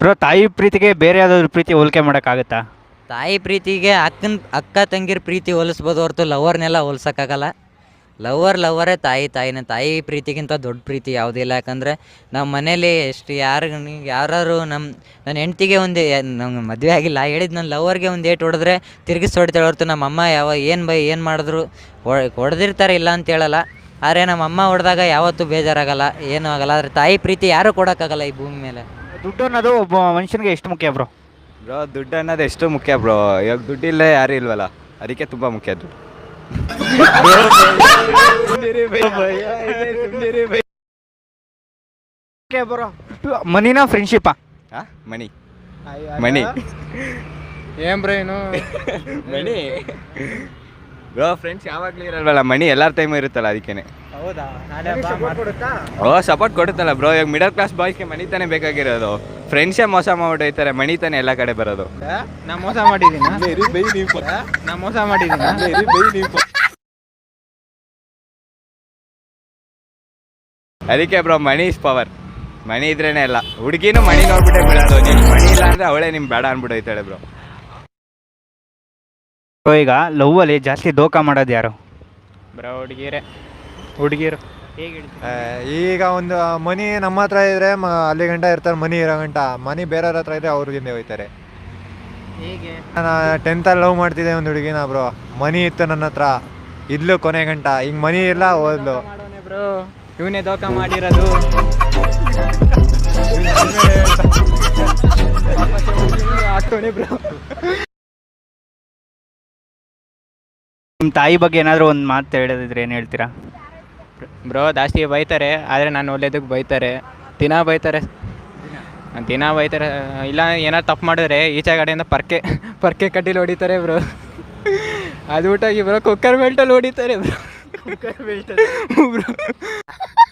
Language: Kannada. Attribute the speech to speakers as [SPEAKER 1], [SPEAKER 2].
[SPEAKER 1] ಬ್ರೋ, ತಾಯಿ ಪ್ರೀತಿಗೆ ಬೇರೆ ಯಾವ್ದಾದ್ರು ಪ್ರೀತಿ ಹೋಲಿಕೆ ಮಾಡೋಕ್ಕಾಗತ್ತಾ?
[SPEAKER 2] ತಾಯಿ ಪ್ರೀತಿಗೆ ಅಕ್ಕ ತಂಗಿರ ಪ್ರೀತಿ ಹೋಲಿಸ್ಬೋದು ಹೊರತು ಲವರ್ನೆಲ್ಲ ಹೋಲ್ಸೋಕ್ಕಾಗಲ್ಲ. ಲವರೇ ತಾಯಿನೇ. ತಾಯಿ ಪ್ರೀತಿಗಿಂತ ದೊಡ್ಡ ಪ್ರೀತಿ ಯಾವುದೂ ಇಲ್ಲ. ಯಾಕಂದರೆ ನಮ್ಮ ಮನೇಲಿ ಎಷ್ಟು ಯಾರು ನನ್ನ ಹೆಂಡ್ತಿಗೆ ಒಂದು ನಂಗೆ ಮದುವೆ ಆಗಿಲ್ಲ ಹೇಳಿದ್ದು ನನ್ನ ಲವರ್ಗೆ ಒಂದು ಏಟು ಹೊಡೆದ್ರೆ ತಿರುಗಿಸಿ ಹೊಡಿತಾಳೆ ಹೊರತು ನಮ್ಮಮ್ಮ ಏನು ಮಾಡಿದ್ರು ಹೊಡೆದಿರ್ತಾರೆ, ಇಲ್ಲ ಅಂತ ಹೇಳಲ್ಲ. ಆದರೆ ನಮ್ಮಮ್ಮ ಹೊಡೆದಾಗ ಯಾವತ್ತೂ ಬೇಜಾರಾಗಲ್ಲ, ಏನೂ ಆಗಲ್ಲ. ಆದರೆ ತಾಯಿ ಪ್ರೀತಿ ಯಾರೂ ಕೊಡೋಕ್ಕಾಗಲ್ಲ ಈ ಭೂಮಿ ಮೇಲೆ.
[SPEAKER 1] ದುಡ್ಡು ಅನ್ನೋದು ಒಬ್ಬ ಮನುಷ್ಯನಿಗೆ ಎಷ್ಟು ಮುಖ್ಯ ಬ್ರೋ?
[SPEAKER 3] ಬ್ರೋ, ದುಡ್ಡು ಅನ್ನೋದು ಎಷ್ಟು ಮುಖ್ಯ ಬ್ರೋ. ಇವಾಗ ದುಡ್ಡಿಲ್ಲೇ ಯಾರೂ ಇಲ್ವಲ್ಲ, ಅದಕ್ಕೆ ತುಂಬ ಮುಖ್ಯ ದುಡ್ಡು.
[SPEAKER 1] ಮನಿನಾ ಫ್ರೆಂಡ್ಶಿಪ್ಪಾ?
[SPEAKER 3] ಮನಿ ಮನಿ
[SPEAKER 4] ಏನ್ ಬ್ರೋ ಏನು
[SPEAKER 3] ಮನಿ ಬ್ರೋ. ಫ್ರೆಂಡ್ಸ್ ಯಾವಾಗಲೂ ಇರಲ್ವಲ್ಲ, ಮನಿ ಎಲ್ಲರ ಟೈಮು ಇರುತ್ತಲ್ಲ, ಅದಕ್ಕೇನೆ. ಸಪೋರ್ಟ್ ಕೊಡುತ್ತಲ್ಲ ಬ್ರೋ. ಇವಾಗ ಮಿಡಲ್ ಕ್ಲಾಸ್ ಬಾಯ್ಸ್ಗೆ ಮನಿ ತಾನೇ ಬೇಕಾಗಿರೋದು. ಫ್ರೆಂಡ್ಸೇ ಮೋಸ ಮಾಡ್ಬಿಟ್ಟೈತಾರೆ, ಮನಿ ತಾನೇ ಎಲ್ಲ ಕಡೆ ಬರೋದು.
[SPEAKER 4] ನಾ ಮೋಸ ಮಾಡಿದ್ದೀನಿ.
[SPEAKER 3] ಅದಕ್ಕೆ bro, money is power. Money ಇದ್ರೇನೆ ಎಲ್ಲ. ಹುಡುಗಿನೂ ಮನಿ ನೋಡ್ಬಿಟ್ಟೆ ಬಿಡೋದು. ನೀನು ಮನಿ ಇಲ್ಲ ಅಂದ್ರೆ ಅವಳೇ ನಿಮ್ಗೆ ಬೇಡ ಅನ್ಬಿಟ್ಟೈತಾಳೆ ಬ್ರೋ.
[SPEAKER 1] ಈಗ ಲವ್ವಲ್ಲಿ ಜಾಸ್ತಿ ದೋಖ ಮಾಡೋದು ಯಾರು
[SPEAKER 4] ಬ್ರೋ? ಹುಡುಗಿರು.
[SPEAKER 5] ಈಗ ಒಂದು ಮನಿ ನಮ್ಮ ಹತ್ರ ಇದ್ರೆ ಅಲ್ಲಿ ಗಂಟ ಇರ್ತಾರೆ, ಮನಿ ಇರೋ ಗಂಟ. ಮನಿ ಬೇರೆಯವ್ರ ಹತ್ರ ಇದ್ರೆ ಅವ್ರಿಗೆ ಹೋಯ್ತಾರೆ. ನಾನು 10th ಲವ್ ಮಾಡ್ತಿದ್ದೆ ಒಂದು ಹುಡುಗಿನ ಬ್ರೋ. ಮನಿ ಇತ್ತು ನನ್ನ ಹತ್ರ, ಇದ್ಲು ಕೊನೆ ಗಂಟ. ಈಗ ಮನಿ ಇಲ್ಲ, ಹೋದ್ಲು
[SPEAKER 4] ಬ್ರೋ. ಇವನೇ ದೋಖ ಮಾಡಿರೋದು.
[SPEAKER 1] ನಿಮ್ಮ ತಾಯಿ ಬಗ್ಗೆ ಏನಾದರೂ ಒಂದು ಮಾತು ಹೇಳೋದಿದ್ರೆ ಏನು ಹೇಳ್ತೀರಾ?
[SPEAKER 4] ಬ್ರೋ, ಜಾಸ್ತಿ ಬೈತಾರೆ, ಆದರೆ ನಾನು ಒಳ್ಳೇದಕ್ಕೆ ಬೈತಾರೆ. ದಿನ ಬೈತಾರೆ. ಇಲ್ಲ ಏನಾರು ತಪ್ಪು ಮಾಡಿದ್ರೆ ಈಚೆ ಕಡೆಯಿಂದ ಪರ್ಕೆ ಕಡ್ಡಿಲಿ ಹೊಡಿತಾರೆ ಬ್ರೋ. ಅದು ಊಟಾಗಿ ಬ್ರೋ ಕುಕ್ಕರ್ ಬೆಲ್ಟಲ್ಲಿ ಹೊಡಿತಾರೆ ಬ್ರೋ. ಬ್ರೋ